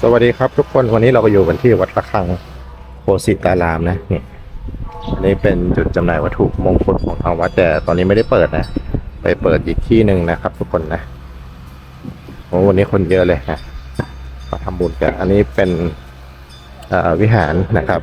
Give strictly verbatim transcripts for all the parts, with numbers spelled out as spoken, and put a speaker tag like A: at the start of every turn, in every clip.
A: สวัสดีครับทุกคนวันนี้เราก็อยู่กันที่วัดระฆังโพสิตารามนะนี่อันนี้เป็นจุดจำหน่ายวัตถุมงคลของทางวัดแต่ตอนนี้ไม่ได้เปิดนะไปเปิดอีกที่หนึ่งนะครับ ทุกคนนะโอ้วันนี้คนเยอะเลยนะมาทำบุญกันอันนี้เป็นวิหารนะครับ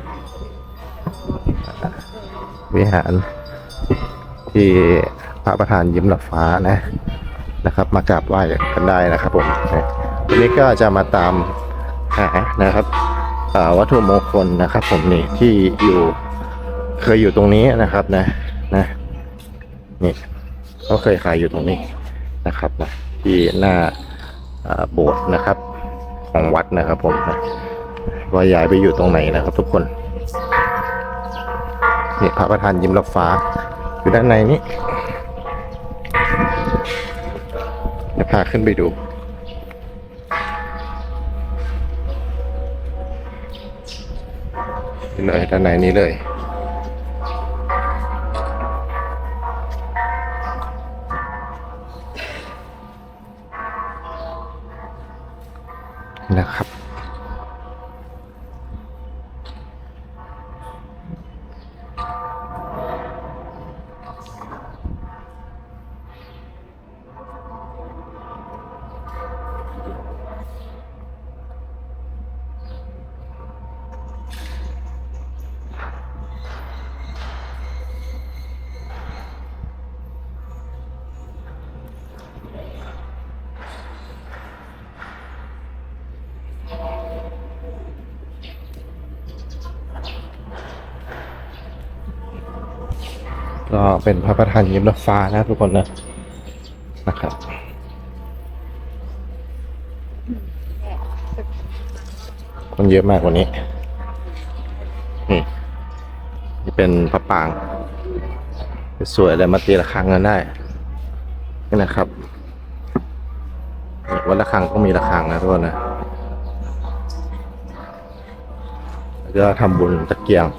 A: วิหารที่พระประธานยิ้มหลับฟ้านะนะครับมากราบไหว้กันได้นะครับผมวันนี้ก็จะมาตามหานะครับวัตถุมงคลนะครับผมนี่ที่อยู่เคยอยู่ตรงนี้นะครับนะนะนี่ก็เคยขายอยู่ตรงนี้นะครับนะที่หน้าโบสถ์นะครับของวัดนะครับผมนะว่าย้ายไปอยู่ตรงไหนนะครับทุกคนนี่พระประธานยิ้มรับฟ้าอยู่ด้านในนี้เดี๋ยวพาขึ้นไปดูเลยด้านในนี้เลยนะครับก็เป็นพระประธานยิ้มรับฟ้านะทุกคนนะนะครับคนเยอะมากวันนี้นี่นี่เป็นพระปางสวยเลยมาตีระฆังกันได้นี่นะครับวัดระฆังต้องมีระฆังนะทุกคนนะแล้วก็ทำบุญตะเกียง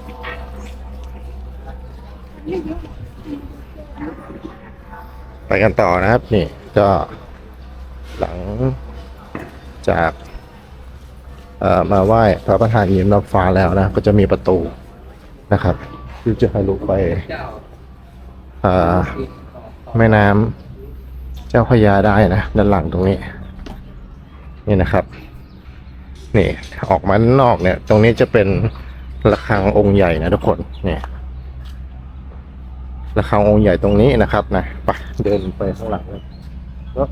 A: ไปกันต่อนะครับนี่ก็หลังจากเอ่อมาไหว้พระประธานยิ้มรับฟ้าแล้วนะก็จะมีประตูนะครับที่จะทะลุไปเอ่อแม่น้ำเจ้าพระยาได้นะด้านหลังตรงนี้นี่นะครับนี่ออกมาด้านนอกเนี่ยตรงนี้จะเป็นระฆังองค์ใหญ่นะทุกคนเนี่ยระฆังองค์ใหญ่ตรงนี้นะครับนะไปเดินไปข้างหลังเลยก็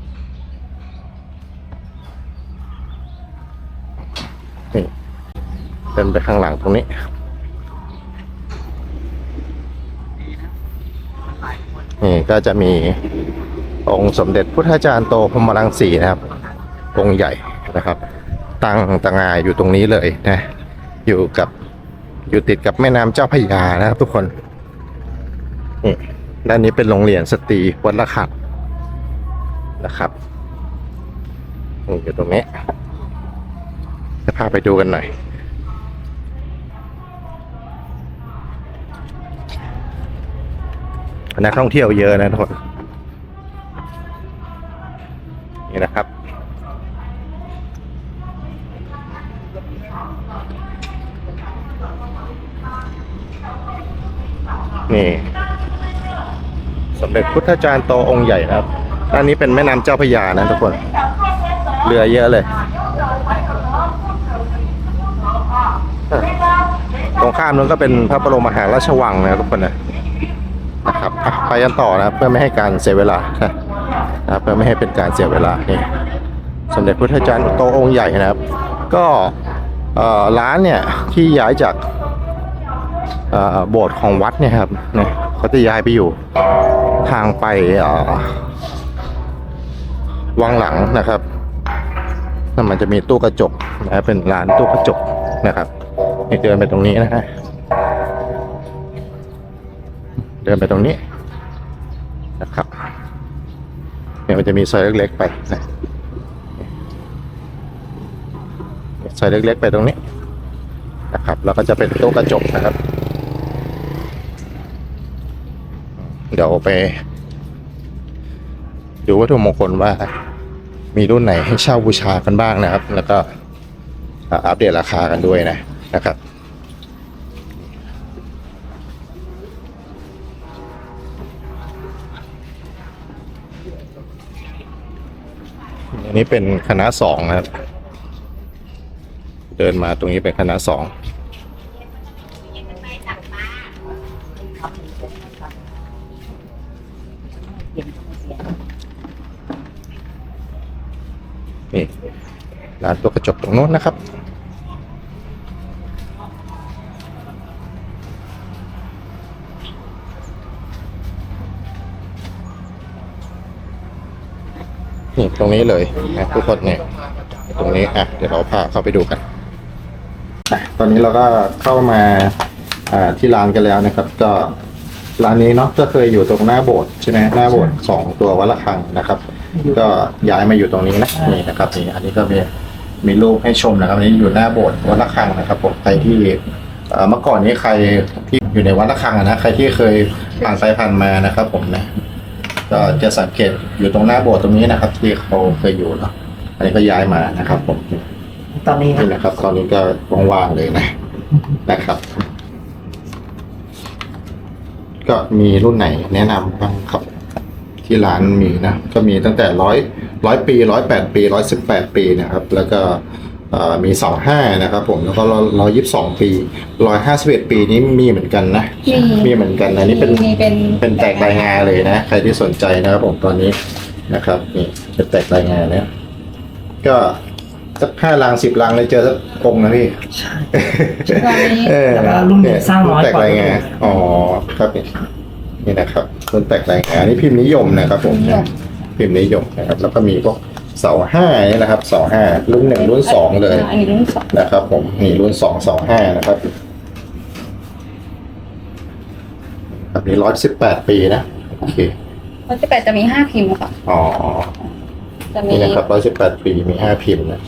A: นี่เดินไปข้างหลังตรงนี้นี่ก็จะมีองค์สมเด็จพุทธาจารย์โตพรหมรังสีนะครับองค์ใหญ่นะครับตั้งตะงายอยู่ตรงนี้เลยนะอยู่กับอยู่ติดกับแม่น้ำเจ้าพระยานะครับทุกคนนี่ด้านนี้เป็นโรงเรียนสตรีวัดระฆังนะครับนี่อยู่ตรงนี้จะพาไปดูกันหน่อยนักท่องเที่ยวเยอะนะทุกคนนี่นะครับนี่สมเด็จพุทธาจารย์โตองค์ใหญ่นะครับด้านนี้เป็นแม่น้ำเจ้าพระยานะทุกคนเรือเยอะเลยตรงข้ามนู้นก็เป็นพระบรมมหาราชวังนะทุกคนนะนะครับไปกันต่อนะเพื่อไม่ให้การเสียเวลานะเพื่อไม่ให้เป็นการเสียเวลานี่สมเด็จพุทธาจารย์โตองค์ใหญ่นะครับก็ร้านเนี่ยที่ย้ายจากโบสถ์ของวัดเนี่ยครับเนี่ยเขาจะย้ายไปอยู่ทางไปวังหลังนะครับแล้วมันจะมีตู้กระจกนะเป็นร้านตู้กระจกนะครับนี่เดินไปตรงนี้นะฮะเดินไปตรงนี้นะครับเนี่ยมันจะมีซอยเล็กๆไปนะซอยเล็กๆไปตรงนี้นะครับแล้วก็จะเป็นตู้กระจกนะครับเดี๋ยวไปดูวัตถุมงคลว่ามีรุ่นไหนให้เช่าบูชากันบ้างนะครับแล้วก็อ่าอัปเดตราคากันด้วยนะนะครับอันนี้เป็นคณะสองนะครับเดินมาตรงนี้เป็นคณะสองนี่ร้านตัวกระจกตรงโน้นนะครับนี่ตรงนี้เลยนะทุกคนเนี่ยตรงนี้อ่ะเดี๋ยวเราพาเข้าไปดูกันตอนนี้เราก็เข้ามาอ่าที่ร้านกันแล้วนะครับก็ร้านนี้เนาะก็เคยอยู่ตรงหน้าโบสถ์ใช่ไหมหน้าโบสถ์สองตัววัดระฆังนะครับก็ย้ายมาอยู่ตรงนี้นะนี่นะครับนี่อันนี้ก็มีมีรูปให้ชมนะครับอันนี้อยู่หน้าโบสถ์วัดระฆังนะครับผมใครที่เอ่อเมื่อก่อนนี้ใครที่อยู่ในวัดระฆังนะใครที่เคยผ่านไปผ่านมานะครับผมนะก็จะสังเกตอยู่ตรงหน้าโบสถ์ตรงนี้นะครับที่เขาเคยอยู่เนาะอันนี้ก็ย้ายมานะครับผม
B: ตอนนี้
A: นี่นะครับตอนนี้ก็ว่างๆเลยนะนะครับก็มีรุ่นไหนแนะนำบ้างครับที่ร้านมีนะก็มีตั้งแต่ร้อยร้อยปีร้อยแปดปีร้อยสิบแปดปีนะครับแล้วก็มีสองห้านะครับผมแล้วก็ร้อยยี่สิบสองปีร้อยห้าสิบเอ็ดปีนี้มีเหมือนกันนะมีเหมือนกันนะนี่เป็นเป็นแตกรายงานเลยนะใครที่สนใจนะครับผมตอนนี้นะครับนี่เป็นแตกรายงานเนี่ยก็สักห้าลังสิบลังเลยเจอสักองค์นะพี่ใช่
B: แต่ว่ารุ่นนี้สร้างน้อยกว่า
A: อ๋อครับนี่นี่นะครับรุ่นแตกรายงานนี่พิมพ์นิยมนะครับผมพิมพ์นิยมนะครับแล้วก็มีพวกเสาห้านี่นะครับเสาห้ารุ่นหนึ่งรุ่นสองเลยนะครับผมนี่รุ่นสองเสาห้านะครับแบบนี้ร้อยสิบแปดปีนะโอเค
C: ร้อยสิบแปดจะมีห้าพิมพ์ค่ะ
A: อ๋อนี่นะครับร้อยสิบแปดปีมีห้าพิมพ์นะ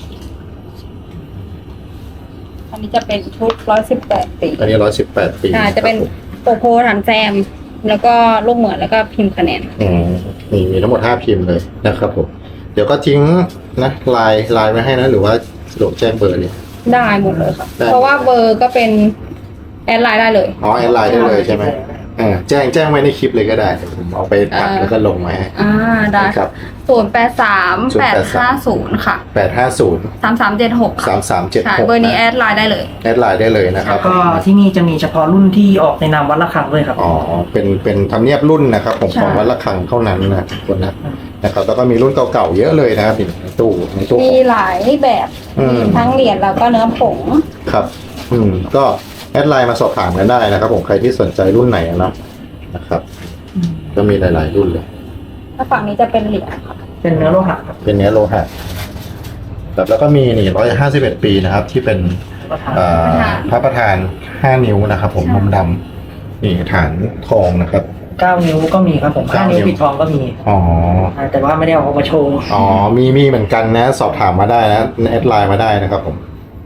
C: อันนี้จะเป็นชุดร้อยสิบแปดปี
A: อันนี้ร้อยสิบแปดปี
C: อ่าจะเป็นโปโพฐานแซมแล้วก็ลูกเหมือนแล้วก็พิมพ์คะแนน
A: อืมมีมีทั้งหมดห้าพิมพ์เลยนะครับผมเดี๋ยวก็ทิ้งนะไลน์ไลน์ไว้ให้นะหรือว่าสะดวกแจ้งเบอร์เลย
C: ได้หมดเลยค่ะเพราะว่าเบอร์ก็เป็นแอดไลน์ได้เลย
A: อ๋อแอดไลน์ได้เลยใช่ไหมอ่าแจ้งแจ้งไว้ในคลิปเลยก็ได้ผมเอาไปตัดแล้วก็ลงไว้
C: อ่าได้ครับศูนย์แปดสามแปดห้าศูนย์ค่ะ
A: แปดห้าศูนย์
C: สามสามเจ็ดหก
A: สามสามเจ็ดหก
C: เบอร์นี้แอดไลน์ได้เลย
A: แอดไลน์ได้เลยนะครับ
B: ก็ที่นี่จะมีเฉพาะรุ่นที่ออกในนามวัดระฆังด้วยครับ
A: อ๋อเป็นเป็นทำเนียบรุ่นนะครับผมของวัดระฆังเท่านั้นนะคนนะนะครับแล้วก็มีรุ่นเก่าๆเยอะเลยนะครับในตู้ในตู้
C: มีหลายแบบทั้งเหรียญแล้วก็เนื้อผง
A: ครับอืมก็แอดไลน์มาสอบถามกันได้นะครับผมใครที่สนใจรุ่นไหนนะนะครับก็มีหลายๆรุ่นเลย
C: ถ้าฝั่งนี้จะเป็นเหรียญ
B: เป็นเนื้อโลหะ
A: เป็นเนื้อโลหะแบบแล้วก็มีนี่ร้อยห้าสิบเอ็ดปีนะครับที่เป็นพระประธานห้านิ้วนะครับผมมุมดำนี่ฐานทองนะครับ
B: เก้านิ้วก็มีครับผมห้านิ้วปิดทองก็มี
A: อ๋อ
B: แต่ว่าไม่ได้เอามาโชว์
A: อ๋อมีมีเหมือนกันนะสอบถามมาได้นะแอดไลน์มาได้นะครับผม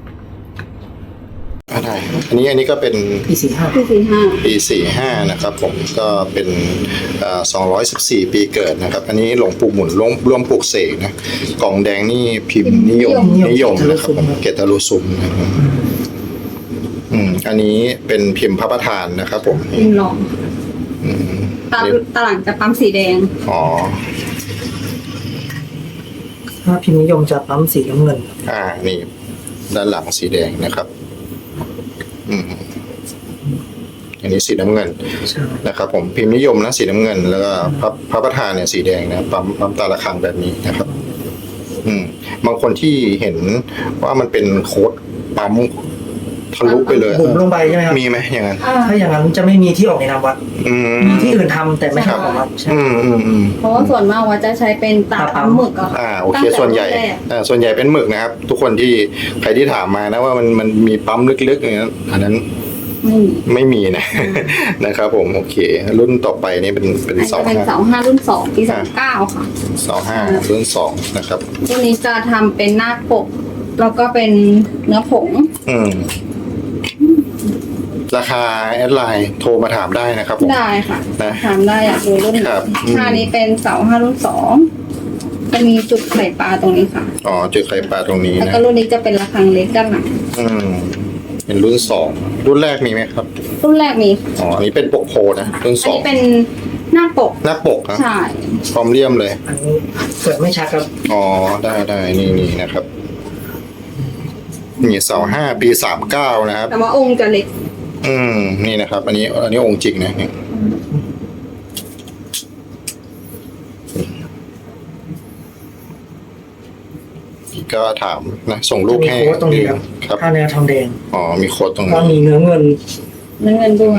A: อะไรอันนี้อันนี้ก็เป็น
B: ปีสี่ห้า
C: ปีสี่ห้า
A: ปีสี่ห้านะครับผมก็เป็นสองร้อยสิบสี่ปีเกิดนะครับอันนี้หลวงปู่หมุนร่วมร่วมปลูกเสกนะกล่องแดงนี่พิมพ์นิยมนิยมนะครับเกตาลูซุมนะครับอืมอันนี้เป็นพิมพ์พระประธานนะครับผม
C: พิมพ์รองตาตาหลังจะปั๊มสีแดง
A: อ๋อ
B: ถ้าพิมพ์นิยมจะปั๊มสีน้ำเงิน
A: อ่านี่ด้านหลังสีแดงนะครับอืมอันนี้สีน้ำเงินนะครับผมพิมพ์นิยมนะสีน้ำเงินแล้วก็พระพระประธานเนี่ยสีแดงนะปั๊มปั๊มตาระฆังแบบนี้นะครับอืมบางคนที่เห็นว่ามันเป็นโค้ดปั๊มทะลุไปเลย
B: บุ๋มลงไปใช่ไหมครับ
A: มีไหมอย่างนั้น
B: ถ้าอย่างนั้นจะไม่มีที่ออกในนามวัดมีที่อื่นทำแต่ไม่ใช่ของวัด
A: อืมอืมอืม
C: เพราะว่าส่วนมากวัดจะใช้เป็นตาปั๊มหมึกอะ
A: อ่าโอเคส่วนใหญ่อ่าส่วนใหญ่เป็นหมึกนะครับทุกคนที่ใครที่ถามมานะว่ามันมันมีปั๊มลึกๆอย่างนั้นอันนั้นไม่มีนะนะครับผมโอเครุ่นต่อไปนี่เป็นเป็น
C: เสาห้าเป็นเสาห้ารุ่นสองปีสองเก้าค่ะ
A: เสาห้ารุ่นสองนะครับ
C: รุ่นนี้จะทำเป็นหน้าปกแล้วก็เป็นเนื้อผง
A: อืมราคาแอดไลน์โทรมาถามได้นะครับ
C: ได้ค่ะนะถามได้อยากดูรุ่นไหนค่านี้เป็นเสาห้ารุ่นสองจะมีจุดไข่ปลาตรงนี้ค่ะ
A: อ๋อเจอไข่ปลาตรงนี้
C: แล้ว
A: นะ
C: ก็รุ่นนี้จะเป็นระฆังเล็กด้านหลัง
A: อืมเป็นรุ่นสองรุ่นแรกมีไหมครับ
C: รุ่นแรกมี
A: อ๋ออันนี้เป็นปกโพนะรุ่น
C: อั
A: ส
C: น
A: อง
C: นี้เป็นหน้าปก
A: หน้าปกนะ
C: ใช่
A: พร้อมเลี่ยมเลย
B: อันนี้เปิดไม่ชัดครับ
A: อ๋อได้ได้นี่นี่นะครับนี่เสาห้าปีสามเก้านะครับ
C: แต่ว่าองค์จะเล็ก
A: อืมนี่นะครับ อันนี้อันนี้องค์จริงนะเนี่ยก็ถามนะส่งรู
B: จะ
A: ป
B: มี
A: ให้
B: โค้ดตรงนี้ครับ
A: ครับ
B: ถ้าเนื้อทองแดง
A: อ๋อมีโค้ดตรง
B: ก็
A: นี้
B: มีเนื้อเงิน
C: เนื้อเงินด้วย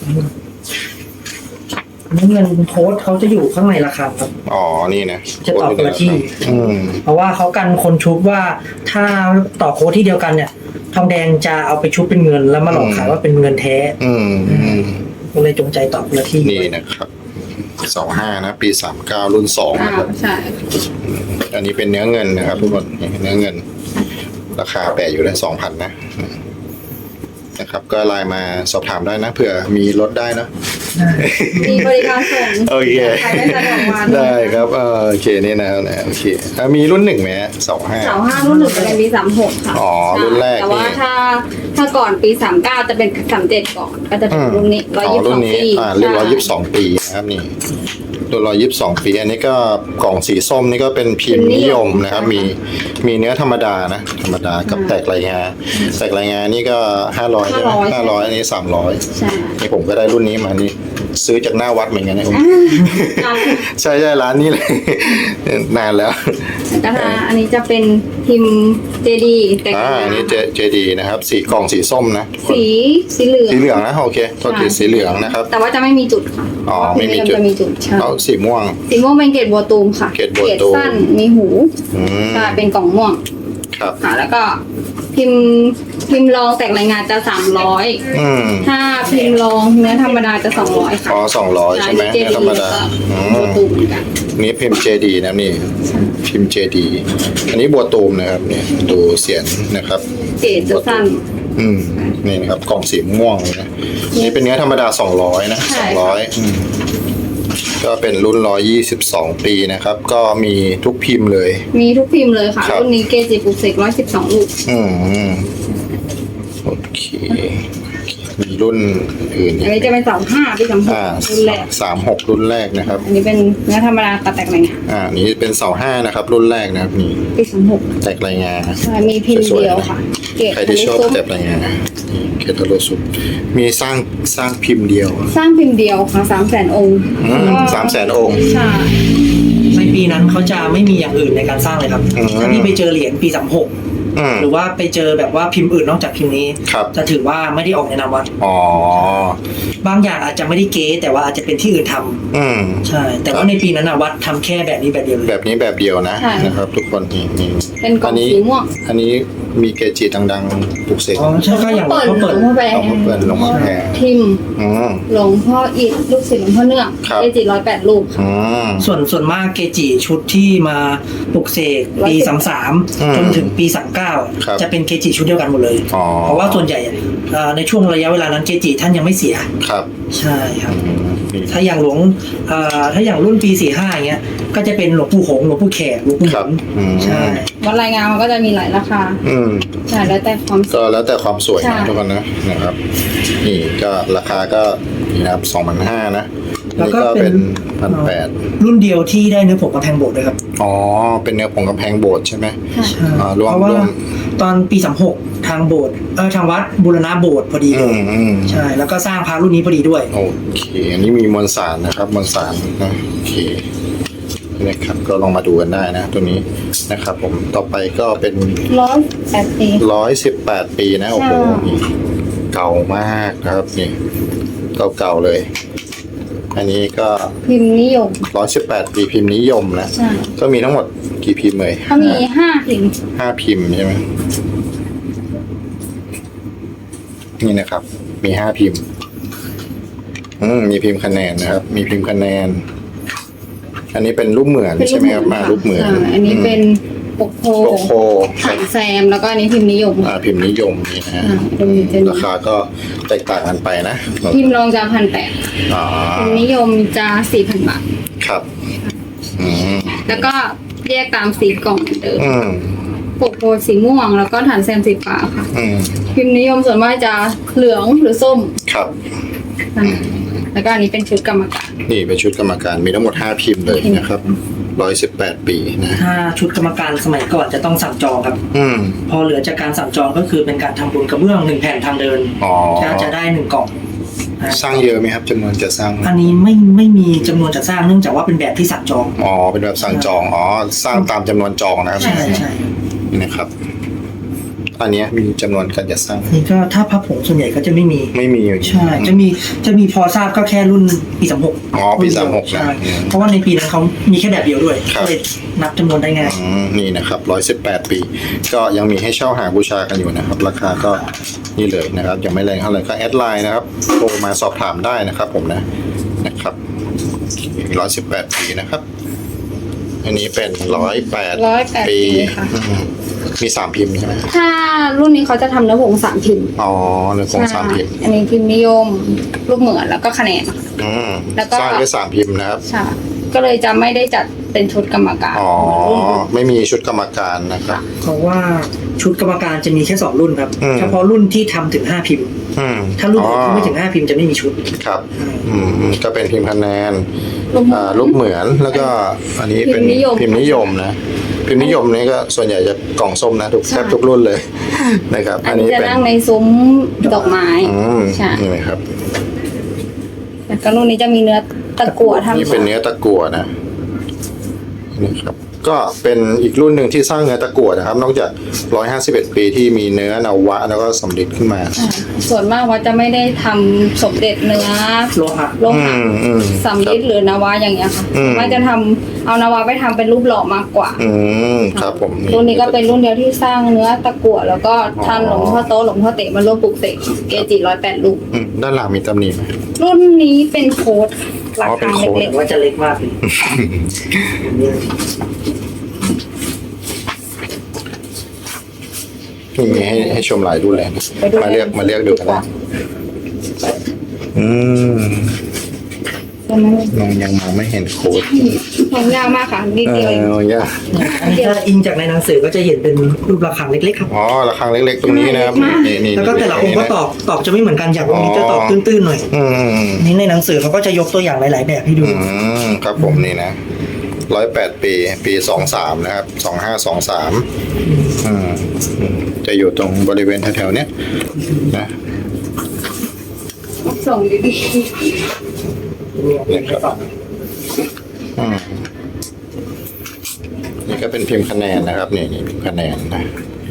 B: เนื้อเงินโค้ดเขาจะอยู่ข้างในราคาครับ
A: อ๋อนี่นะ
B: จะต่อคนละที่
A: อืม
B: เพราะว่าเขากันคนชุบว่าถ้าต่อโค้ดที่เดียวกันเนี่ย ทองแดงจะเอาไปชุบเป็นเงิน แล้วมาหลอกขายว่าเป็นเงินแท้
A: อืมอืม
B: ก็เลยจงใจต่อคนละที่
A: นี่นะครับเสาห้านะ ปีสามเก้ารุ่นสอง
C: อ่า
A: นะครับ
C: ใช่
A: อันนี้เป็นเนื้อเงินนะครับทุกคนนี่เนื้อเงิน ราคาแปะอยู่ในสองพันนะนะครับ ก็ไลน์มาสอบถามได้นะเผื่อมีลดได้นะ
C: มีบริการส่ง
A: โอเค
C: ใครไม่สะดวกมา
A: ได้ครับเออโอเคนี่นะครับนะโอเคอ่ะมีรุ่นหนึ่งไหมสองห้า
C: เสาห้ารุ่นหนึ่งจะเป็นปีสามหกค่ะ
A: อ๋อรุ่นแรก
C: แต่ว่า
A: นี่
C: ถ้าถ้าก่อนปีสามเก้าจะเป็นสามเจ็ดก่อน ก็จะเป็นรุ่นนี้ร้อย
A: อ๋อ
C: ยี่สิบส
A: รุ่
C: อน ง
A: นี้
C: ปี
A: อ่าเรียกร้อยยี่สิบสองปีนะครับนี่รุ่นร้อยยี่สิบสองปี อันนี้ก็กล่องสีส้มนี่ก็เป็นพิมพ์นิยมนะครับ มีมีเนื้อธรรมดานะธรรมดากับแตกลายงาแตกลายงานี่ก็ห้าร้อยใช่ไหมห้าร้อยอันนี้สามร้อย
C: ใช่
A: นี่ผมก็ได้รุ่นนี้มานี่ซื้อจากหน้าวัดเหมือนกันนะผม
C: อ่า
A: ใช่ใช่ร้านนี้เลย นานแล้ว
C: แล้วก็ถ้าอันนี้จะเป็นพิมพ์เจดีแต่
A: อ่าอันนี้เจเจดีนะครับ สีกล่องสีส้มนะทุกคน
C: สีสีเหลือง
A: สีเหลืองนะโอเคโทษทีสีเหลืองนะครับ
C: แต่ว่าจะไม่มีจุดค่ะ
A: อ๋อ
C: เพราะว่า
A: ไม่มีจุด
C: จะมีจุดใช่
A: เอาสีม่วง
C: สีม่วงเป็นเกรดบัวตูมค่ะ
A: เกรดบัวตูม
C: สั้นมีหู
A: อืม
C: ใช่เป็นกล่องม่วง
A: ครับ
C: ค่ะแล้วก็พิมพ์พิมพ์รองแตกรายงานจะสามร้อย
A: อืม
C: ถ้าพิมพ์รองเนื้อธรรมดาจะสองร้อยค่ะ
A: อ๋อสองร้อยใช่ไหม
C: เจ
A: ธร
C: ดี
A: รม
C: แล้ว
A: ดา
C: ก็
A: อื
C: บัว
A: ม
C: ตูมเหมือนกัน
A: นี่พิมพ์เจดีนะนี่พิมพ์เจดีอันนี้บัวตูมนะครับนี่ดูเสียนนะครับ
C: เกรดจะสั้น
A: อืมนี่นะครับกล่องสีม่วงเลยนะนี่เป็นเนื้อธรรมดาสองร้อยนะ
C: ใช่
A: สองร้อยอืมก็เป็นรุ่นร้อยยี่สิบสองปีนะครับ ก็มีทุกพิมพ์เลย
C: มีทุกพิมพ์เลยค่ะ
A: ครับ
C: รุ่นนี้เกจิปลุกเสกร้อยสิบสองลูก
A: อืมอืมโอเคมีรุ่นอื่นอี
C: อั
A: ก
C: นนี้จะเป็นสองห้าปีสามหก
A: อ่า
C: รุ่นแรก
A: สามหกรุ่นแรกนะครับ
C: อันนี้เป็นเนื้อธรรมดาตัดแตกรายงาน
A: อ่านี่เป็นเสาห้านะครับ รุ่นแรกนะครับนี่
C: ปีสามหก
A: แตกรายงาน
C: ใช่มีพิมพ์เดียวค่ะ เกรด
A: ใครที่ชอบแตกรายงานนี่เคทาโลสุดมีสร้างสร้างพิมพ์เดียว
C: สร้างพิมพ์เดียวค่ะสามแสนองค์
A: อืม
C: ก็
A: สามแสนองค์
C: ใช่
B: ในปีนั้นเขาจะไม่มีอย่างอื่นในการสร้างเลยครับ
A: อืม
B: ถ้าที่ไปเจอเหรียญปีสามหก
A: อืม
B: หรือว่าไปเจอแบบว่าพิมพ์อื่นนอกจากพิมพ์นี้
A: ครับ
B: จะถือว่าไม่ได้ออกในนามวัด
A: อ๋อบ
B: างอย่างอาจจะไม่ได้เก๊แต่ว่าอาจจะเป็นที่อื่นทำ
A: อืม
B: ใช่ แต่ว่าในปีนั้นนะวัดทำแค่แบบนี้แบบเดียวเลย
A: แบบนี้แบบเดียวนะ
C: ใช่
A: นะครับ ทุกคนนี่นี่
C: เป็นกล่อง
A: อันนี้
C: สีม่วง
A: อันนี้มีเกจิดังๆปลุกเสก
B: อ๋อใช่ก็อย่าง
C: เปิด
B: เขา
C: หล
B: เปิด
C: วงพ่อแบ
A: เอามาเปิดหลวงพ่อแพร
C: ทิม
A: อืม
C: หลวงพ่ออิฐลูกศิษย์หลวงพ่อเนื่อง
A: ครับ
C: เกจิร้อยแปดลูกค่ะ
A: อืม
B: ส่วนส่วนมากเกจิชุดที่มาปลุกเสกปี
C: ร้อยสิบ
B: สามสาม
A: อืม
B: จนถึงปีสามเก้า
A: ครับ
B: จะเป็นเกจิชุดเดียวกันหมดเลย
A: อ๋อ
B: เพราะว่าส่วนใหญ่เอ่อในช่วงระยะเวลานั้นเกจิท่านยังไม่เสีย
A: ครับ
B: ใช่ครับ
A: อืมนี่
B: ถ้าอย่างหลวงเอ่อถ้าอย่างรุ่นปีสี่ห้าอย่างเงี้ย ก็จะเป็นหลวงปู่หงส์หลวงปู่แขกหลวงปู่ห
A: ครับ
B: มุน
A: อืม
B: ใช่
C: วัดรายงานมันก็จะมีหลายราคา
A: อืม
C: ใช่แล้วแต่ความ
A: ก็แล้วแต่ความสวย
C: ใช่
A: นะทุกคนนะนะครับ นี่ก็ราคาก็นี่นะครับสองพันห้านะ
B: แล้ว
A: นี่
B: ก็
A: ก็
B: เป็
A: เป็น นพันแปด
B: รุ่นเดียวที่ได้เนื้อผงกำแพงโบสถ์ด้วยครับ
A: อ๋อ เป็นเนื้อผงกำแพงโบสถ์ใช่ไหม
C: ค่ะ
A: อ่ารวม
B: เพราะว่าร
A: วม
B: ตอนปีสามหกทางโบสถ์เออทางวัดบูรณะโบสถ์พอดีเล
A: อื
B: ย
A: มอืม
B: ใช่ แล้วก็สร้างพระรุ่นนี้พอดีด้วย
A: โอเค อันนี้มีมวลสารนะครับ มวลสารนะโอเคนะครับ ก็ลองมาดูกันได้นะ ตัวนี้นะครับ ผม ต่อไปก็เป็น
C: ร้อยแปดปี
A: ร้อยสิบแปดปีนะ โอ้โห
C: ใช่
A: นี่เก่ามากนะครับ นี่ เก่าๆเลย อันนี้ก็
C: พิมพ์นิยม
A: ร้อยสิบแปดปีพิมพ์นิยมนะ
C: ใช่
A: ก็มีทั้งหมดกี่พิมพ์เลย
C: เขามีห้าพิมพ์
A: ห้าพิมพ์ใช่ไหมนี่นะครับ มีห้าพิมพ์ อืมมีพิมพ์คะแนนนะครับ มีพิมพ์คะแนน อันนี้เป็นรูปเหมือน
C: เป็น
A: ใช่ไหมครับมารูปเหมือน
C: ใช่อันนี้เป็นปกโพ
A: โลโก้
C: ขันแซมแล้วก็อันนี้พิมพ์นิยม
A: อ่าพิมพ์นิยมนี่นะฮะ
C: อ่าเป็นเป็น
A: ราคาก็แตกต่างกันไปนะ
C: พิมพ์รองจะพันแปด
A: อ๋อ
C: พิมพ์นิยมจะสี่พันบาท
A: ครับอืม
C: แล้วก็แยกตามสีกล่องเหมือนเดิม
A: อืม
C: โกโก้สีม่วงแล้วก็ฐานแซมสีฟ้าค่ะ
A: อืม
C: พิมพ์นิยมส่วนมากจะเหลืองหรือส้ม
A: ครับ
C: อ่าแล้วก็อันนี้เป็นชุดกรรมการ
A: นี่เป็นชุดกรรมการมีทั้งหมดห้าพิมพ์เลยนะครับร้อยสิบแปดปีนะ
B: ถ้าชุดกรรมการสมัยก่อนจะต้องสั่งจองครับ
A: อืม
B: พอเหลือจากการสั่งจองก็คือเป็นการทำบุญกระเบื้องหนึ่งแผ่นทางเดิน
A: อ๋อ
B: จะจะได้หนึ่งกล่องนะ
A: สร้างเยอะไหมครับจำนวนจะสร้างไหม
B: อันนี้ไม่ไม่มีจำนวนจัดสร้างเนื่องจากว่าเป็นแบบที่สั่งจอง
A: อ๋อเป็นแบบสั่งจองอ๋อสร้างตามจำนวนจองนะครับ
B: ใช่ใช่
A: นี่นะครับ อันเนี้ยมีจำนวนการจัดสร้าง
B: นี่ก็ถ้าพับผงส่วนใหญ่ก็จะไม่มี
A: ไม่มีอยู่
B: ใช่ จะมีจะมีพอทราบก็แค่รุ่นปีสามหก
A: อ๋อปีสามหกนะ
B: ใช่เพราะว่าในปีนั้นเขามีแค่แบบเดียวด้วย
A: ครับ
B: ก็เลยนับจำนวนได้ง่าย
A: อืมนี่นะครับร้อยสิบแปดปี ก็ยังมีให้เช่าหาบูชากันอยู่นะครับ ราคาก็นี่เลยนะครับยังไม่แรงเท่าไหร่ก็แอดไลน์นะครับโทรมาสอบถามได้นะครับ ผมนะนะครับร้อยสิบแปดปีนะครับ อันนี้เป็นร้อยแปด
C: ร้อยแปด
A: ปี
C: ปีค่ะ
A: อืมมีสามพิมพ์ใช่ไหม
C: ถ้ารุ่นนี้เขาจะทำเนื้อผงสามพิมพ์
A: อ๋อเนื้อผงสามพิมพ์
C: อันนี้พิมพ์นิยมรูปเหมือนแล้วก็คะแนน
A: อืม
C: แล้วก็
A: สร้างด้วยสามพิมพ์นะครับ
C: ใช่ก็เลยจะไม่ได้จัดเป็นชุดกรรมการ
A: อ๋อไม่มีชุดกรรมการนะครับ
B: เพราะว่าชุดกรรมการจะมีแค่สองรุ่นครับ
A: อืม
B: เฉพาะรุ่นที่ทำถึงห้าพิมพ์
A: อืม
B: ถ้ารุ่นอื่น
A: อ๋อ
B: ที่ไม่ถึงห้าพิมพ์จะไม่มีชุด
A: ครับ อืมก็เป็นพิมพ์คะแนน
C: รูปเหมื
A: อ่า
C: อน
A: รูปเหมือนแล้วก็อันนี้เป็น
C: พิมพ์นิยม
A: พิมพ์นิยมนะพิมพ์นิยมนี่ก็ส่วนใหญ่จะกล่องส้มนะทุก
C: ใช่
A: แทบทุกรุ่นเลย นะครับ
C: อั
A: อั
C: น
A: น
C: นี้
A: นี้
C: จะ
A: เป็น
C: นั่งในซุ้มดอกไม้
A: อืม
C: ใช่
A: นี่นะครับ
C: แล้วก็รุ่นนี้จะมีเนื้อตะกั่วทำ
A: นี่เป็นเนื้อตะกั่วนะนี่ครับ ก็เป็นอีกรุ่นหนึ่งที่สร้างเนื้อตะกั่วนะครับ นอกจากหนึ่งร้อยห้าสิบเอ็ดปีที่มีเนื้อนวะแล้วก็สำลิดขึ้นมา
C: อ่าส่วนมากว่าจะไม่ได้ทำสมเด็จเนื้อ
B: โลหะ
C: โล
A: อื
C: หะ
A: มอืม
C: สำลิดหรือนาวาอย่างเงี้ยค่ะ
A: อืม
C: ว่าจะทำเอานาวาไปทำเป็นรูปหล่อมากกว่า
A: อืมครับผม
C: รุ่นนี้ก็เป็นรุ่นเดียวที่สร้างเนื้อตะกั่วแล้วก็ท่านหลวงพ่อโตหลวงพ่อเต๋มาร่วมปลุกเสกเกจิร้อยแปดลูก
A: อืมด้านหลังมีตำหนิไหม
C: รุ่นนี้เป็นโค้ดรา
A: อ๋อเป็
C: คาน
A: โค้ด
C: เล็ก
B: แต่ว่าจะเล็กมากเลย
A: นี่มีให้ให้ชมหลายรุ่นเลยนะ
C: ๆไปดู
A: มาเลือกมาเลือกดูกันนะอืม
C: ใช่ไหม
A: มองยังมองไม่เห็นโค้ด
C: มองยากมากค่ะนิด
A: เอ
C: เดียวเอง
A: อยาก
B: อันนี้ถ้าอิงจากในหนังสือก็จะเห็นเป็นรูประฆังเล็กๆครับ
A: อ๋อระฆังเล็กๆตรงนี้นะครับนี่นี่
B: แล้วก็แต่ละองค์ก็ตอบตอบจะไม่เหมือนกันอย่างองค์นี้จะตอบตื้นๆหน่อย
A: อืม
B: นี่ในหนังสือเขาก็จะยกตัวอย่างหลาย ๆ แบบให้ดู
A: อืมครับผมนี่นะร้อยแปดปีปีสองสามนะครับสองห้าสองสามอืมอืมจะอยู่ตรงบริเวณแถวๆเนี้ยนะ
C: ส่งดี
A: นะครับอืมนี่ก็เป็นพิมพ์คะแนนนะครับนี่นี่พิมพ์คะแนนนะ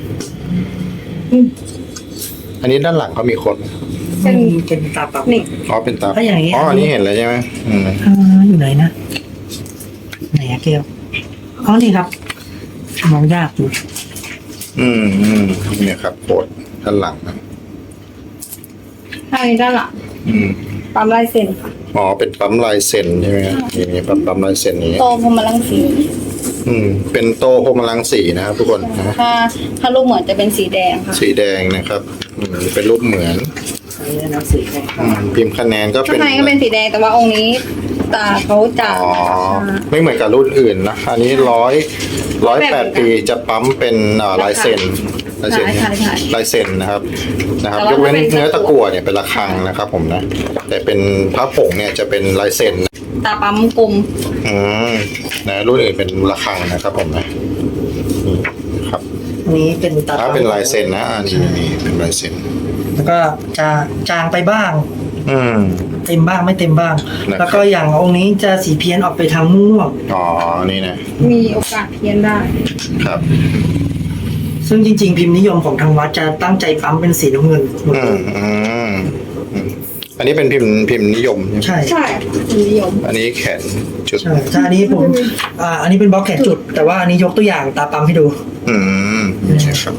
A: อันนี้ด้านหลังเขามีคน
C: ๆเป็น
B: เป็นตาปับ
C: นี่
A: อ๋อเป็นตา
B: ถ้าอย่างนี้
A: อ๋ออันนี้เห็นแล้วใช่ไหมอืม
B: อ่าอยู่ไหนนะไหนอะเกลอ๋อนี่ครับมองยากอยู่
A: อืมอืมเนี่ยครับโคดด้านหลังนะ
C: ถ้าอันนี้ด้านหลัง
A: อืม
C: ปั๊มลายเซ็นค่ะ
A: อ๋อเป็นปั๊มลายเซ็นใช่ไหมครับนี่มีปั๊มปั๊มลายเซ็นนี้
C: โตพรหมลังสี
A: อืมเป็นโตโพมลังสีนะครับทุกคนนะ
C: ถ้าถ้ารูปเหมือนจะเป็นสีแดงค่ะ
A: สีแดงนะครับอืมเป็นรูปเหมือน
B: อันนี้หนังสือให้
A: อืมพิมพ์คะแนนก็
C: ข้า
A: เป็
C: ง
A: น
C: ในก็เป็นสีแดงแต่ว่าองค์นี้ตาเขาจะ
A: อ๋อไม่เหมือนกับรุ่นอื่นนะอันนี้ร้อยร้อยแปดปีจะปั๊มเป็นเอ่อลายเซ็นลายเซ็นลายเซ็นนะครับนะครับยกเว้นเนื้อตะกั่วเนี่ยเป็นระฆังนะครับผมนะแต่เป็นพระผงเนี่ยจะเป็นลายเซ็น
C: ตาปั๊มกลม
A: อืมนะรุ่นอื่นเป็นระฆังนะครับผมนะนี่ครับ
B: อันนี้เป็นตา
A: ถ้า
B: ปับ
A: เป็นลายเซ็นนะอันนี้นี่เป็นลายเซ็น
B: แล้วก็จะจางไปบ้าง
A: อืม
B: เต็มบ้างไม่เต็มบ้าง
A: นะครับ
B: แล้วก็อย่างองค์นี้จะสีเพี้ยนออกไปทางม่วง
A: อ๋อนี่นะ
C: มีโอกาสเพี้ยนได้
A: ครับ
B: ซึ่งจริง ๆ พิมพ์นิยมของทางวัดจะตั้งใจปั๊มเป็นสีน้ำเงินหมด
A: อื
B: เล
A: ม
B: ย
A: อืมอืมอันนี้เป็นพิมพ์พิมพ์นิยมใช่ไหม
B: ใช่
C: ใช่นิยม
A: อันนี้แขนจุด
B: ใช่ใช่อันนี้ผมอ่าอันนี้เป็นบล็อกแขนจุด แต่ว่าอันนี้ยกตัวอย่างตาปั๊มให้ดู
A: อืมครับ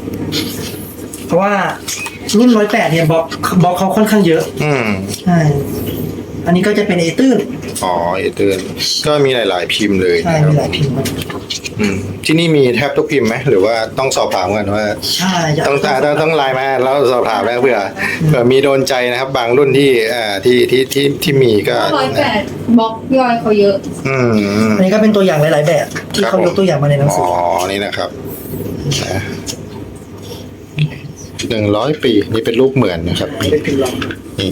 B: เพราะว่ารุ่นร้อยแปดเนี่ยบล็อกบล็อกเขาค่อนข้างเยอะ
A: อืม
B: ใช่อันนี้ก็จะเป็นเอตื้น
A: อ๋อเอเตือนก็มีหลาย ๆ พิมพ์เลย
B: ใช่
A: นะครับ
B: มีหลายพิมพ์ครับ
A: อืมที่นี่มีแทบทุกพิมพ์ไหมหรือว่าต้องสอบถามกันว่า
B: ใช่จะ
A: ต้องต้องต้องต้องไลน์มาแล้วสอบถามแล้วเผื่อเผื่อมีโดนใจนะครับ บางรุ่นที่อ่าที่ที่ที่ที่มีก็
C: ร้อยแปดบล็อกย่อยเขาเยอะ
A: อืม
B: อันนี้ก็เป็นตัวอย่างหลาย ๆ แบบ ที่เขายกตัวอย่างมาในหนังสื
A: อ๋
B: อ
A: อนี่นะครับนะหนึ่งร้อยปีนี่เป็นรูปเหมือนนะครับ
B: เป็นพิมพ์ลอง
A: นี่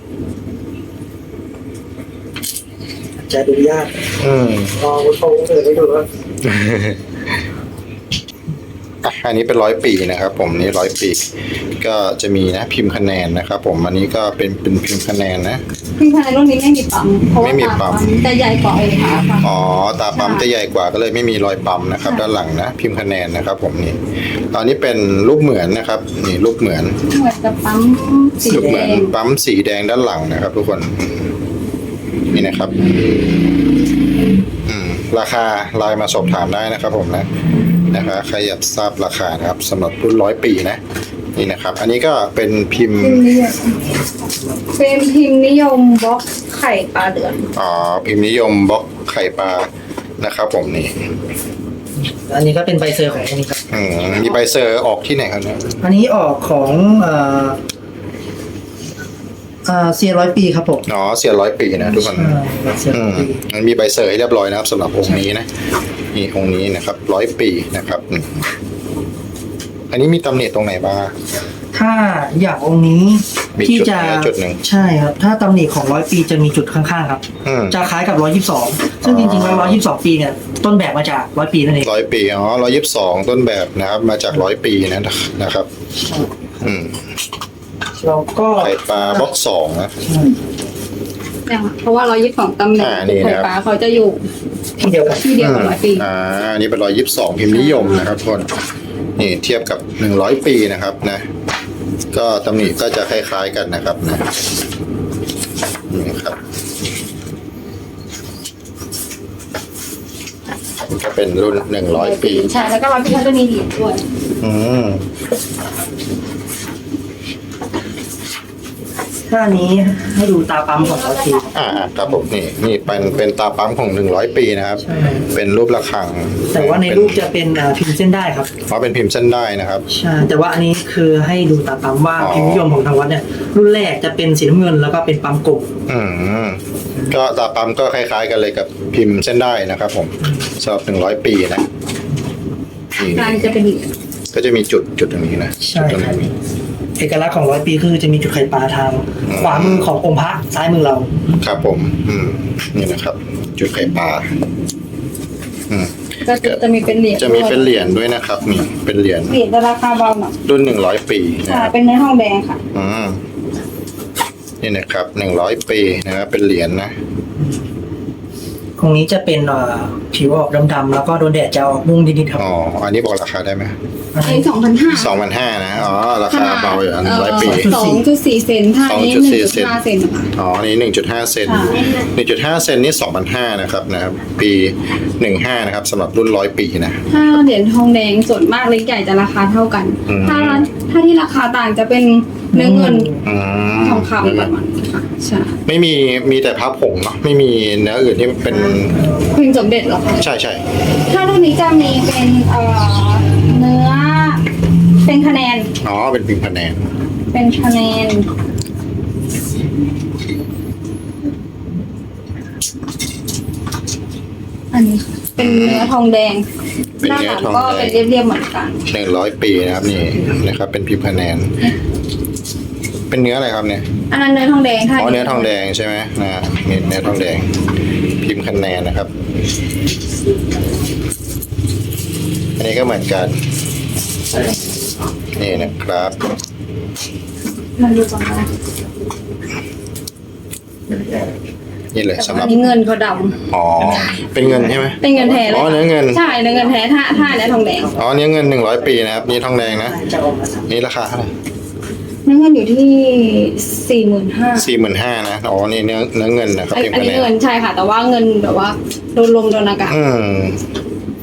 B: จะดูยาก
A: อืม
B: ลองโชว์เลยให้ดูว่า
A: อ่ะอันนี้เป็นร้อยปีนะครับ ผมนี่ร้อยปี ก็จะมีนะพิมพ์คะแนนนะครับ ผมอันนี้ก็เป็นเป็นพิมพ์คะแนนนะ
C: พิมพ์ภายในรุ่นนี้ไม่มีปั๊มเพราะว่า
A: ไม่มีปั๊ม
C: จะใหญ่กว่าองค์พระค่ะ
A: อ๋อตาปั๊มจะใหญ่กว่าก็เลยไม่มีรอยปั๊มนะครับ ด้านหลังนะพิมพ์คะแนนนะครับ ผมนี่ตอนนี้เป็นรูปเหมือนนะครับ นี่รูปเหมือน
C: เหมือนจะปั๊มสี
A: รูป
C: แด
A: เหมือน
C: ง
A: ปั๊มสีแดงด้านหลังนะครับ ทุกคนอืมนี่นะครับ อืมราคาไลน์มาสอบถามได้นะครับ ผมนะนะคะใครอยากทราบราคานะครับสำหรับรุ่นร้อยปีนะนี่นะครับ อันนี้ก็เป็นพิมพ์
C: พิมพ์นิยมเป็นพิมพ์นิยมบล็อกไข่ปลาเดือน
A: อ๋อพิมพ์นิยมบล็อกไข่ปลานะครับ ผมนี่
B: อันนี้ก็เป็นใบเซอร์ของอันนี้ครับ
A: อืมมีใบเซอร์ออกที่ไหนครับเนี่ย
B: อันนี้ออกของเอ่อเอ่อเซียร้อยปีครับผม
A: อ๋อเสียร้อยปีนะทุกคน
B: ใช่ใบเซอร์
A: อื
B: ร้อย
A: ม
B: ปี
A: มันมีใบเซอร์ให้เรียบร้อยนะครับสำหรับองค์นี้นะนี่องค์นี้นะครับร้อยปีนะครับอืมอันนี้มีตำหนิตรงไหนบ้าง
B: ถ้าอย่างองค์นี้
A: มี
B: ที่
A: จุด
B: จะ
A: นะจุดหนึ่ง
B: ใช่ครับ ถ้าตำหนิของร้อยปีจะมีจุดข้างๆครับ
A: อืม
B: จะคล้ายกับร้อยยี่สิบสองซึ่งจริงๆแล้วร้อยยี่สิบสองปีเนี่ยต้นแบบมาจากร้อยปีนั่นเอง
A: ร้อยปีอ๋อร้อยยี่สิบสองต้นแบบนะครับ มาจากร้อยปีนะนะครับ อืม
B: เราก็
A: ไข่ปลาบล็อกสองนะ
C: เนี่ยเพราะว่าร้อยยี่สิบสองตำแหน่ง
A: อ่านี่
C: ไข่
A: นะครับ
C: ปลาเขาจะอยู่
B: ที่เดียวกัน
C: ที่เดียวกับร้อยปี
A: อ่าอันนี้เป็นร้อยยี่สิบสองพิมพ์นิยมนะครับทุกคนนี่เทียบกับหนึ่งร้อยปีนะครับนะ ก็ตำหนิก็จะคล้ายๆกันนะครับนะนี่ครับก็เป็นรุ่นหนึ่งร้อยปี
C: ใช่แล้วก็ร้อยปีเขาจะมีเหรียญด้วย
A: อืม
B: ถ้าอันนี้ให้ดูตาปั๊มของร้อยปี
A: อ่าๆครับผมนี่นี่เป็นเป็นตาปั๊มของหนึ่งร้อยปีนะครับ
B: ใช่
A: เป็นรูประฆัง
B: แต่ว่าในรูปจะเป็นอ่าพิมพ์เส้นได้ครับ
A: เพราะเป็นพิมพ์เส้นได้นะครับ
B: ใช่แต่ว่าอันนี้คือให้ดูตาปั๊มว่า
A: อ๋อ
B: พิมพ์นิยมของทางวัดเนี่ยรุ่นแรกจะเป็นสีน้ำเงินแล้วก็เป็นปั๊มกลม
A: อืมก็ตาปั๊มก็คล้ายๆกันเลยกับพิมพ์เส้นได้นะครับ ผมสำหรับหนึ่งร้อยปีนะนี่
C: กลางจะเป็นเหรียญ
A: ก็จะมีจุดจุดตรงนี้นะ
B: ใช่
A: จุดตรง
B: ครับ
A: นี้
B: เอกลักษณ์ของร้อยปีคือจะมีจุดไข่ปลาทาง
A: อืม
B: ขวามือขององค์พระซ้ายมือเรา
A: ครับผม อืมนี่นะครับ จุดไข่ปลาอืม
C: ก็จะจะมีเป็นเหรียญ
A: จะมีเป็นเหรียญด้วยนะครับนี่เป็นเหรียญ
C: เหรียญจะราคาเบาหน่อย
A: รุ่นหนึ่งร้อยปีนะ
C: ค่ะ
A: ครับ
C: เป็นเนื้อทองแดงค่ะ
A: อืมนี่นะครับหนึ่งร้อยปีนะครับเป็นเหรียญนะ
B: ตรงนี้จะเป็นเอ่อผิวออกดำๆแล้วก็โดนแดดจะออกม่วงนิดๆครับ
A: อ๋ออันนี้บอกราคาได้ไหม
B: อัน
C: อัน
B: นี้
C: นี้สองพันห้า
A: สองพันห้านะอ๋อราคาเบาอยู่หนึ่งร้อยปี
C: สองจุดสี่เซนถ้าอันนี้หนึ่ง
A: สองจุดสี่
C: จุดห้าเซนค่ะ
A: อ๋ออันนี้หนึ่งจุดห้าเซน
C: ค่ะ
A: หนึ่งจุดห้าเซนนี่สองพันห้านะครับนะครับ ปีหนึ่งห้านะครับสำหรับรุ่นร้อยปีนะ
C: ถ้าเหรียญทองแดงส่วนมากเล็กใหญ่จะราคาเท่ากัน
A: อืม
C: ถ้าถ้าที่ราคาต่างจะเป็นเนื้อเงิน
A: อืม
C: ทองคำประมาณนี้ค่ะใช่
A: ไม่มีมีแต่พระผงเนาะไม่มีเนื้ออื่นที่เป็น
C: พิมพ์สมเด็จเหรอคะ
A: ใช่ใช่
C: ถ้ารุ่นนี้จะมีเป็นเอ่อเนื้อเป็นคะแนน
A: อ๋อเป็นพิมพ์คะแนน
C: เป็นคะแนน อันนี้ค่ะเป็นเนื้อทองแดง
A: เป็น
C: หน้า
A: เนื้
C: ห
A: อ
C: ลัง
A: ทอง
C: ก็
A: แด
C: เป็น
A: ง
C: เรียบๆเหมือนกัน
A: หนึ่งร้อยปีนะครับนี่นะครับ เป็นพิมพ์คะแนน เป็นเนื้ออะไรครับเนี่ย
C: อันนั้นเนื้อทองแดงค่ะ
A: อ๋อเนื้อทองแดงใช่ไหมนะนี่เนื้อทองแดง พิมพ์คะแนนนะครับ อันนี้ก็เหมือนกันนี่นะครับ
C: มันดูก่อนนะ
A: นี่เลยสำห
C: อั
A: รับ
C: นนี้เงินเขาด
A: อ๋อเป็นเงินใช่ไหม
C: ำเป็นเงินแท้เลย
A: อ๋อเนื้อเงิน
C: ใช่เนื้อเงินแท้ถ้าถ้าเนื้อทองแดง
A: อ๋อเนื้อเงินหนึ่งร้อยปีนะครับนี่ทองแดงนะ
B: จะออกมาสาม
A: นี่ราคาเท่าไหร่
C: เนื้อเงินอยู่ที่สี่หมื่นห้า
A: สี่หมื่นห้านะอ๋อนี่เนื้อเนื้อเงินนะครับ
C: อัน
A: พิมพ์
C: อัน
A: คะ
C: นี้
A: แนน
C: เงินใช่ค่ะ แต่ว่าเงินแบบว่าโดนลมโดนอากาศ
A: อืม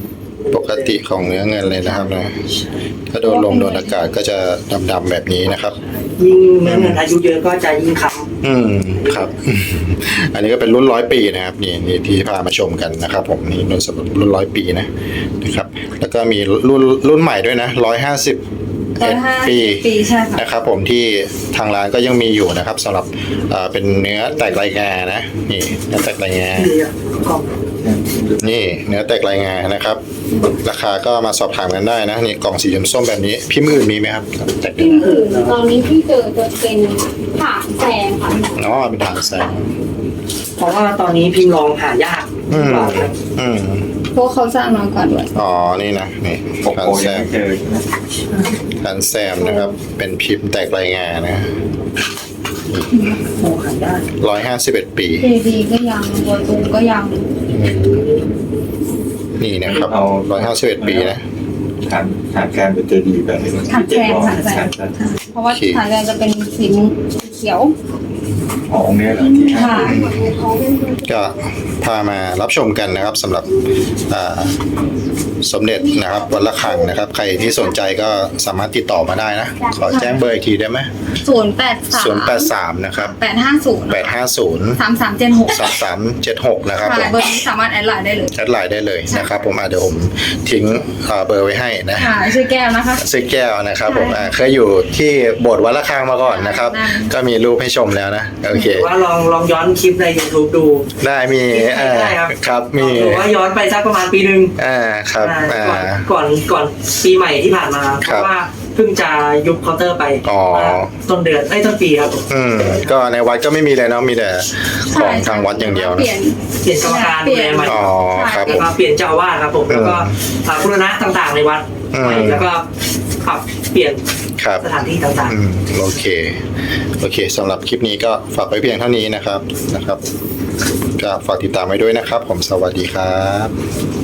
A: ปกติของเนื้อเงินเลยนะครับนะถ้าโดนลมโดนอากาศก็จะดำๆแบบนี้นะครับ
B: ยิ่งเนื้อเงินอายุเยอะก็จะยิ่งค้
A: อืมครับ อันนี้ก็เป็นรุ่นร้อยปีนะครับนี่นี่ที่พามาชมกันนะครับ ผมนี่รุ่นสำหรับรุ่นร้อยปีนะนะครับ แล้วก็มีรุ่นรุ่นใหม่ด้วยนะร้อยห้าสิบ
C: ร้อยห้า
A: ปี
C: ปีใช่ค่ะ
A: นะครับ ผมที่ทางร้านก็ยังมีอยู่นะครับสำหรับเอ่อเป็นเนื้อแตกลายงานะนี่เนื้อแตกลายงา
B: ำดีอ่ะกล่อง
A: นี่เนื้อแตกลายงานะครับ ราคาก็มาสอบถามกันได้นะนี่กล่องสีส้มๆแบบนี้พิมพ์อื่นมีไหมครับแตกลาย
C: ที่
A: งา
C: อื่นตอนนี้ที่เจอจะเป็นถางแซงค่ะ
A: อ๋อเป็นทางแสง
B: เพราะว่าตอนนี้พิมพ์ลองหายาก
A: อืม
B: กว่าครับ
A: อืม
C: เพราะเขาสร้างมาก่อนด้วย
A: อ๋อนี่นะนี่
D: โอ้
A: ทา
D: โห
A: นแซ
D: ยัง
A: ม
D: ไม่เจอใช่ไหม
A: ทานแซมนะครับ เป็นพิมพ์แตกลายงานะ
B: โอ้หายาก
A: ร้อยห้าสิบเอ็ดปี
C: เจดีก็ยังบัวตูมก็ยัง
A: อืมนี่นะครับร้อยห้าสิบเอ็ดปีนะ
D: ฐานฐานการเป็นเจดีย์แบบนี้
C: ถางแซงถางแซงเพราะว่าถางแซงจะเป็นสีเขียว
D: อ๋อองค์เนี้ยเหรอที่ห้า
C: ค่ะ
A: ก็พามารับชมกันนะครับสำหรับอ่าสมเด็จนะครับวัดระฆังนะครับ ใครที่สนใจก็สามารถติดต่อมาได้นะ ขอแจ้งเบอร์อีกทีได้ไหม
C: ศูนย์แปดสาม
A: ศูนย์แปดสามนะครับ
C: แปดห้าศูนย์
A: แปดห้าศูนย์
C: สามสามเจ็ดหก
A: สามสามเจ็ดหกนะครับผ
C: ค่ะ
A: ม
C: เบอร์นี้สามารถแอดไลน์ได้เลย
A: แอดไลน์ได้เลยนะครับ ผมอ่ะเดี๋ยวผมทิ้งอ่าเบอร์ไว้ให้นะ
C: ค่ะชื่อแก้วนะคะ
A: ซื้อแก้วนะครับผมอ่าเคยอยู่ที่โบสถ์วัดระฆังมาก่อนนะครับ
C: ได้
A: ก็มีรูปให้ชมแล้วนะโอเค
B: หรือว่าลองลองย้อนคลิปใน YouTube ดู
A: ได้มีเอ่อ
B: ได้ครับ
A: ครับมี
B: หรือว่าย้อนไปสักประมาณปีหนึ่ง
A: อ่าครับ
B: อ่า
A: อ่า
B: ก่อนก่อนก่อนปีใหม่ที่ผ่านมา เพ
A: ครับ
B: ราะว่าเพิ่งจะยุบเคาน์เตอร์ไป
A: อ๋อ
B: ต้นเดือนไอ้ยต้นปีครับ
A: อืมก็ในวัดก็ไม่มีเลยเนาะมีแต่ของทางวัดอย่างเดียว
C: เป
A: นะ
C: ลี่ยน
B: เปลี่ยนกรรมการดูแลใหม่
A: อ๋อครับผ
B: แล้ว
A: ม
B: ก็เปลี่ยนเจ้าอาวาสครับผมแล้วก็อ่าบูรณะต่างๆในวัด
A: อืม
B: ใหม่แล้วก็ปรับเปลี่ยน
A: ครับ
B: สถานที่ต่าง
A: อืมโอเคโอเคสำหรับคลิปนี้ก็ฝากไว้เพียงเท่านี้นะครับนะครับก็ฝากติดตามไว้ด้วยนะครับ ผมสวัสดีครับ